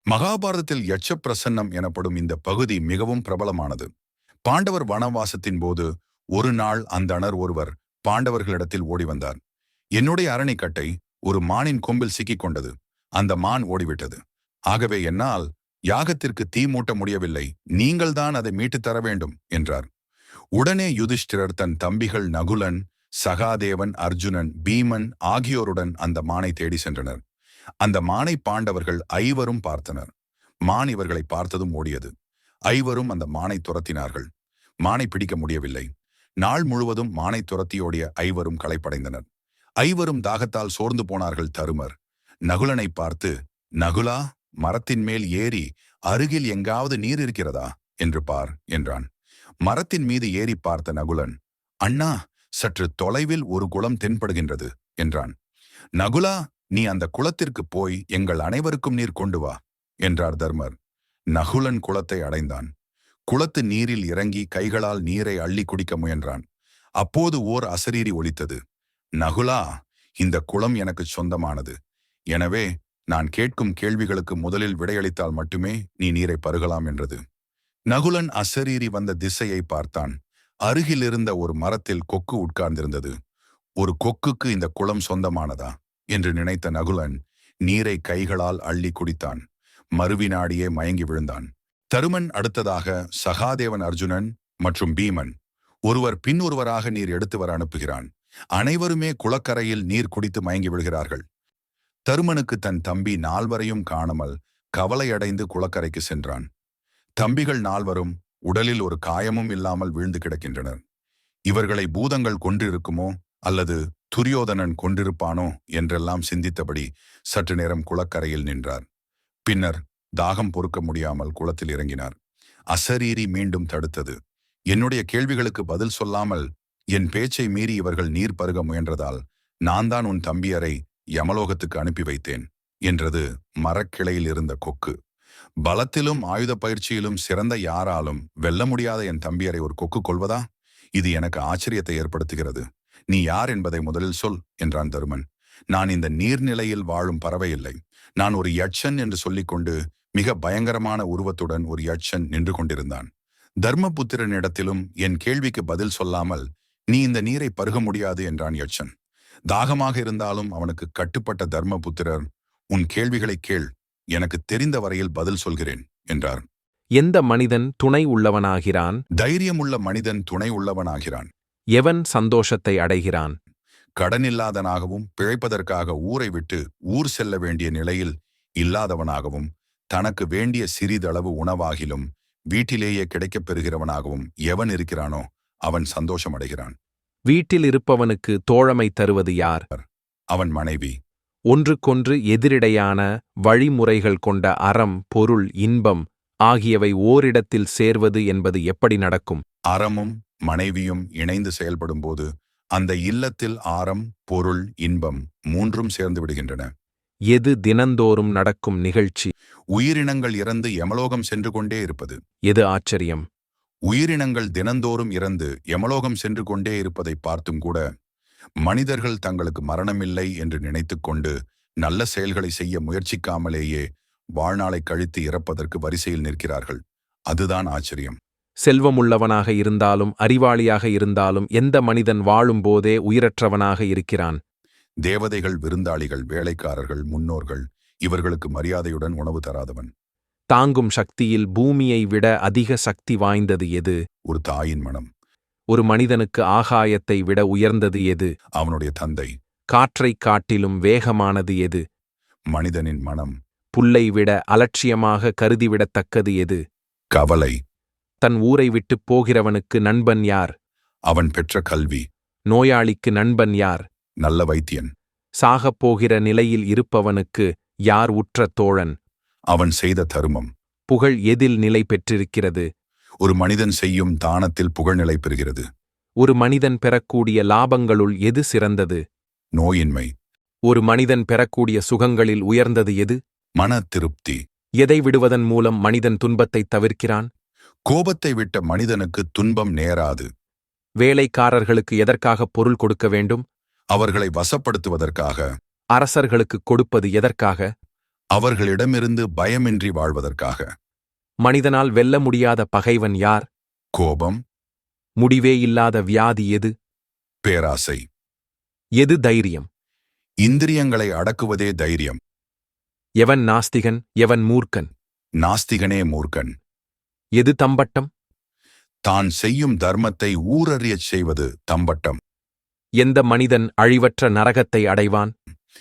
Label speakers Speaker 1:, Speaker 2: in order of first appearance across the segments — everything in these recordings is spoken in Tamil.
Speaker 1: மகாபாரதத்தில் யட்ச பிரசன்னம் எனப்படும் இந்த பகுதி மிகவும் பிரபலமானது. பாண்டவர் வனவாசத்தின் போது ஒரு நாள் அந்தணர் ஒருவர் பாண்டவர்களிடத்தில் ஓடி வந்தார். என்னுடைய அரணிக்கட்டை ஒரு மானின் கொம்பில் சிக்கிக் கொண்டது. அந்த மான் ஓடிவிட்டது. ஆகவே என்னால் யாகத்திற்கு தீ மூட்ட முடியவில்லை. நீங்கள்தான் அதை மீட்டுத் தர வேண்டும் என்றார். உடனே யுதிஷ்டிரர் தன் தம்பிகள் நகுலன், சகாதேவன், அர்ஜுனன், பீமன் ஆகியோருடன் அந்த மானை தேடி சென்றனர். அந்த மானை பாண்டவர்கள் ஐவரும் பார்த்தனர். மான் இவர்களை பார்த்ததும் ஓடியது. ஐவரும் அந்த மானை துரத்தினார்கள். மானை பிடிக்க முடியவில்லை. நாள் முழுவதும் மானை துரத்தியோடிய ஐவரும் களைப்படைந்தனர். ஐவரும் தாகத்தால் சோர்ந்து போனார்கள். தருமர் நகுலனை பார்த்து, நகுலா, மரத்தின் மேல் ஏறி அருகில் எங்காவது நீர் இருக்கிறதா என்று பார் என்றான். மரத்தின் மீது ஏறி பார்த்த நகுலன், அண்ணா, சற்று தொலைவில் ஒரு குளம் தென்படுகின்றது என்றான். நகுலா, நீ அந்த குளத்திற்கு போய் எங்கள் அனைவருக்கும் நீர் கொண்டு வா என்றார் தர்மர். நகுலன் குளத்தை அடைந்தான். குளத்து நீரில் இறங்கி கைகளால் நீரை அள்ளி குடிக்க முயன்றான். அப்போது ஓர் அசரீரி ஒலித்தது. நகுலா, இந்த குளம் எனக்கு சொந்தமானது. எனவே நான் கேட்கும் கேள்விகளுக்கு முதலில் விடையளித்தால் மட்டுமே நீ நீரை பருகலாம் என்றது. நகுலன் அசரீரி வந்த திசையை பார்த்தான். அருகில் இருந்த ஒரு மரத்தில் கொக்கு உட்கார்ந்திருந்தது. ஒரு கொக்குக்கு இந்த குளம் சொந்தமானதா என்று நினைத்த நகுலன் நீரை கைகளால் அள்ளி குடித்தான். மறுவினாடியே மயங்கி விழுந்தான். தருமன் அடுத்ததாக சகாதேவன், அர்ஜுனன் மற்றும் பீமன் ஒருவர் பின் ஒருவராக நீர் எடுத்து வர அனுப்புகிறான். அனைவருமே குளக்கரையில் நீர் குடித்து மயங்கி விழுகிறார்கள். தருமனுக்கு தன் தம்பி நால்வரையும் காணாமல் கவலையடைந்து குளக்கரைக்கு சென்றான். தம்பிகள் நால்வரும் உடலில் ஒரு காயமும் இல்லாமல் வீழ்ந்து கிடக்கின்றனர். இவர்களை பூதங்கள் கொன்றிருக்குமோ அல்லது துரியோதனன் கொண்டிருப்பானோ என்றெல்லாம் சிந்தித்தபடி சற்று நேரம் குளக்கரையில் நின்றார். பின்னர் தாகம் பொறுக்க முடியாமல் குளத்தில் இறங்கினார். அசரீரி மீண்டும் தடுத்தது. என்னுடைய கேள்விகளுக்கு பதில் சொல்லாமல் என் பேச்சை மீறி இவர்கள் நீர் பருக முயன்றதால் நான் தான் உன் தம்பியரை யமலோகத்துக்கு அனுப்பி வைத்தேன் என்றது மரக்கிளையில் இருந்த கொக்கு. பலத்திலும் ஆயுத பயிற்சியிலும் சிறந்த யாராலும் வெல்ல முடியாத என் தம்பியரை ஒரு கொக்கு கொள்வதா? இது எனக்கு ஆச்சரியத்தை ஏற்படுத்துகிறது. நீ யார் என்பதை முதலில் சொல் என்றான் தருமன். நான் இந்த நீர்நிலையில் வாழும் பறவை இல்லை. நான் ஒரு யட்சன் என்று சொல்லிக்கொண்டு மிக பயங்கரமான உருவத்துடன் ஒரு யட்சன் நின்று கொண்டிருந்தான். தர்மபுத்திரனிடத்திலும் என் கேள்விக்கு பதில் சொல்லாமல் நீ இந்த நீரை பருக முடியாது என்றான் யட்சன். தாகமாக இருந்தாலும் அவனுக்கு கட்டுப்பட்ட தர்மபுத்திரர், உன் கேள்விகளை கேள், எனக்கு தெரிந்த வரையில் பதில் சொல்கிறேன் என்றார்.
Speaker 2: எந்த மனிதன் துணை உள்ளவனாகிறான்?
Speaker 1: தைரியமுள்ள மனிதன் துணை உள்ளவனாகிறான்.
Speaker 2: எவன் சந்தோஷத்தை அடைகிறான்?
Speaker 1: கடனில்லாதனாகவும் பிழைப்பதற்காக ஊரை விட்டு ஊர் செல்ல வேண்டிய நிலையில் இல்லாதவனாகவும் தனக்கு வேண்டிய சிறிதளவு உணவாகிலும் வீட்டிலேயே கிடைக்கப் பெறுகிறவனாகவும் எவன் இருக்கிறானோ அவன் சந்தோஷம் அடைகிறான்.
Speaker 2: வீட்டில் இருப்பவனுக்கு தோழமை தருவது யார்?
Speaker 1: அவன் மனைவி.
Speaker 2: ஒன்றுக்கொன்று எதிரிடையான வழிமுறைகள் கொண்ட அறம், பொருள், இன்பம் ஆகியவை ஓரிடத்தில் சேர்வது என்பது எப்படி நடக்கும்?
Speaker 1: அறமும் மனைவியும் இணைந்து செயல்படும்போது அந்த இல்லத்தில் ஆரம், பொருள், இன்பம் மூன்றும் சேர்ந்து விடுகின்றன.
Speaker 2: எது தினந்தோறும் நடக்கும் நிகழ்ச்சி?
Speaker 1: உயிரினங்கள் இறந்து யமலோகம் சென்று கொண்டே இருப்பது.
Speaker 2: எது ஆச்சரியம்?
Speaker 1: உயிரினங்கள் தினந்தோறும் இறந்து யமலோகம் சென்று கொண்டே இருப்பதை பார்த்தும் கூட மனிதர்கள் தங்களுக்கு மரணமில்லை என்று நினைத்து கொண்டு நல்ல செயல்களை செய்ய முயற்சிக்காமலேயே வாழ்நாளை கழித்து இறப்பதற்கு வரிசையில் நிற்கிறார்கள். அதுதான் ஆச்சரியம்.
Speaker 2: செல்வமுள்ளவனாக இருந்தாலும் அறிவாளியாக இருந்தாலும் எந்த மனிதன் வாழும்போதே உயிரற்றவனாக இருக்கிறான்?
Speaker 1: தேவதைகள், விருந்தாளிகள், வேலைக்காரர்கள், முன்னோர்கள் இவர்களுக்கு மரியாதையுடன் உணவு தராதவன்.
Speaker 2: தாங்கும் சக்தியில் பூமியை விட அதிக சக்தி வாய்ந்தது எது?
Speaker 1: ஒரு தாயின் மனம்.
Speaker 2: ஒரு மனிதனுக்கு ஆகாயத்தை விட உயர்ந்தது எது?
Speaker 1: அவனுடைய தந்தை.
Speaker 2: காற்றைக் காட்டிலும் வேகமானது எது?
Speaker 1: மனிதனின் மனம்.
Speaker 2: புல்லை விட அலட்சியமாக கருதிவிடத்தக்கது எது?
Speaker 1: கவலை.
Speaker 2: தன் ஊரை விட்டுப் போகிறவனுக்கு நண்பன் யார்?
Speaker 1: அவன் பெற்ற கல்வி.
Speaker 2: நோயாளிக்கு நண்பன் யார்?
Speaker 1: நல்ல வைத்தியன்.
Speaker 2: சாகப் போகிற நிலையில் இருப்பவனுக்கு யார் உற்ற தோழன்?
Speaker 1: அவன் செய்த தருமம்.
Speaker 2: புகழ் எதில் நிலை பெற்றிருக்கிறது?
Speaker 1: ஒரு மனிதன் செய்யும் தானத்தில் புகழ்நிலை பெறுகிறது.
Speaker 2: ஒரு மனிதன் பெறக்கூடிய லாபங்களுள் எது சிறந்தது?
Speaker 1: நோயின்மை.
Speaker 2: ஒரு மனிதன் பெறக்கூடிய சுகங்களில் உயர்ந்தது எது?
Speaker 1: மன திருப்தி.
Speaker 2: எதை விடுவதன் மூலம் மனிதன் துன்பத்தைத் தவிர்க்கிறான்?
Speaker 1: கோபத்தை விட்ட மனிதனுக்கு துன்பம் நேராது.
Speaker 2: வேலைக்காரர்களுக்கு எதற்காக பொருள் கொடுக்க வேண்டும்?
Speaker 1: அவர்களை வசப்படுத்துவதற்காக.
Speaker 2: அரசர்களுக்கு கொடுப்பது எதற்காக?
Speaker 1: அவர்களிடமிருந்து பயமின்றி வாழ்வதற்காக.
Speaker 2: மனிதனால் வெல்ல முடியாத பகைவன் யார்?
Speaker 1: கோபம்,
Speaker 2: முடிவே இல்லாத வியாதி எது?
Speaker 1: பேராசை.
Speaker 2: எது தைரியம்?
Speaker 1: இந்திரியங்களை அடக்குவதே தைரியம்.
Speaker 2: எவன் நாஸ்திகன், எவன் மூர்க்கன்?
Speaker 1: நாஸ்திகனே மூர்க்கன்.
Speaker 2: எது தம்பட்டம்?
Speaker 1: தான் செய்யும் தர்மத்தை ஊரறியச் செய்வது தம்பட்டம்.
Speaker 2: எந்த மனிதன் அழிவற்ற நரகத்தை அடைவான்?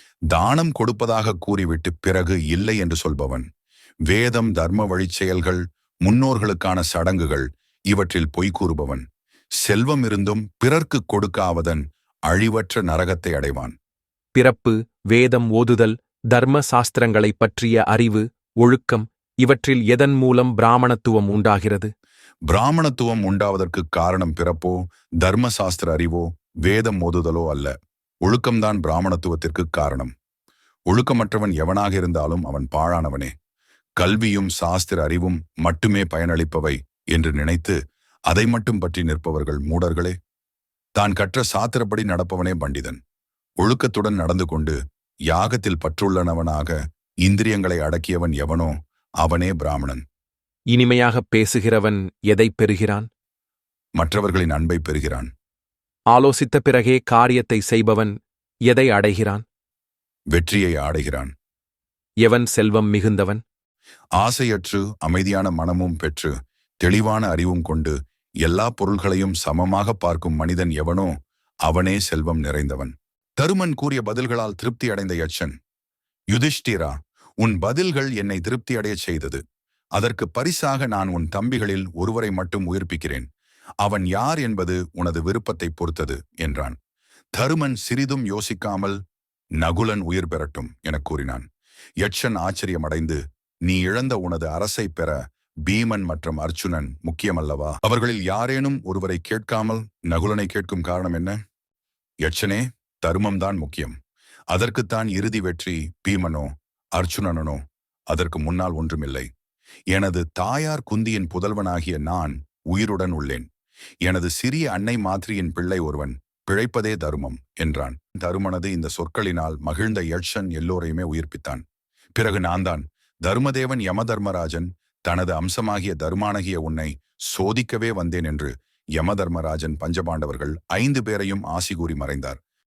Speaker 1: தானம் கொடுப்பதாக கூறிவிட்டு பிறகு இல்லை என்று சொல்பவன். வேதம், தர்ம வழிச் செயல்கள், முன்னோர்களுக்கான சடங்குகள் இவற்றில் பொய் கூறுபவன். செல்வம் இருந்தும் பிறர்க்குக் கொடுக்காவதன் அழிவற்ற நரகத்தை அடைவான்.
Speaker 2: பிறப்பு, வேதம் ஓதுதல், தர்ம சாஸ்திரங்களைப் பற்றிய அறிவு, ஒழுக்கம் இவற்றில் எதன் மூலம் பிராமணத்துவம் உண்டாகிறது?
Speaker 1: பிராமணத்துவம் உண்டாவதற்குக் காரணம் பிறப்போ, தர்மசாஸ்திர அறிவோ, வேதம் ஓதுதலோ அல்ல. ஒழுக்கம்தான் பிராமணத்துவத்திற்கு காரணம். ஒழுக்கமற்றவன் எவனாக இருந்தாலும் அவன் பாழானவனே. கல்வியும் சாஸ்திர அறிவும் மட்டுமே பயனளிப்பவை என்று நினைத்து அதை மட்டும் பற்றி நிற்பவர்கள் மூடர்களே. தான் கற்ற சாத்திரப்படி நடப்பவனே பண்டிதன். ஒழுக்கத்துடன் நடந்து கொண்டு யாகத்தில் பற்றுள்ளனவனாக இந்திரியங்களை அடக்கியவன் எவனோ அவனே பிராமணன்.
Speaker 2: இனிமையாகப் பேசுகிறவன் எதைப் பெறுகிறான்?
Speaker 1: மற்றவர்களின் அன்பை பெறுகிறான்.
Speaker 2: ஆலோசித்த பிறகே காரியத்தை செய்பவன் எதை அடைகிறான்?
Speaker 1: வெற்றியை ஆடைகிறான்.
Speaker 2: எவன் செல்வம் மிகுந்தவன்?
Speaker 1: ஆசையற்று அமைதியான மனமும் பெற்று தெளிவான அறிவும் கொண்டு எல்லா பொருள்களையும் சமமாக பார்க்கும் மனிதன் எவனோ அவனே செல்வம் நிறைந்தவன். தருமன் கூறிய பதில்களால் திருப்தி அடைந்த யட்சன், யுதிஷ்டிரா, உன் பதில்கள் என்னை திருப்தி அடையச் செய்தது. அதற்கு பரிசாக நான் உன் தம்பிகளில் ஒருவரை மட்டும் உயிர்ப்பிக்கிறேன். அவன் யார் என்பது உனது விருப்பத்தை பொறுத்தது என்றான். தருமன் சிறிதும் யோசிக்காமல், நகுலன் உயிர் பெறட்டும் எனக் கூறினான். யட்சன் ஆச்சரியமடைந்து, நீ இழந்த உனது அரசை பெற பீமன் மற்றும் அர்ச்சுனன் முக்கியமல்லவா? அவர்களில் யாரேனும் ஒருவரை கேட்காமல் நகுலனை கேட்கும் காரணம் என்ன? யட்சனே, தர்மம்தான் முக்கியம். அதற்குத்தான் இறுதி வெற்றி பீமனோ அர்ச்சுனனோ. அதற்கு முன்னால் ஒன்றுமில்லை. எனது தாயார் குந்தியின் புதல்வனாகிய நான் உயிருடன் உள்ளேன். எனது சிறிய அன்னை மாத்ரியின் பிள்ளை ஒருவன் பிழைப்பதே தருமம் என்றான். தருமனது இந்த சொற்களினால் மகிழ்ந்த யட்சன் எல்லோரையுமே உயிர்ப்பித்தான். பிறகு நான்தான் தர்மதேவன் யமதர்மராஜன் தனது அம்சமாகிய தர்மானகிய உன்னை சோதிக்கவே வந்தேன் என்று யமதர்மராஜன் பஞ்சபாண்டவர்கள் 5 பேரையும் ஆசி கூறி மறைந்தார்.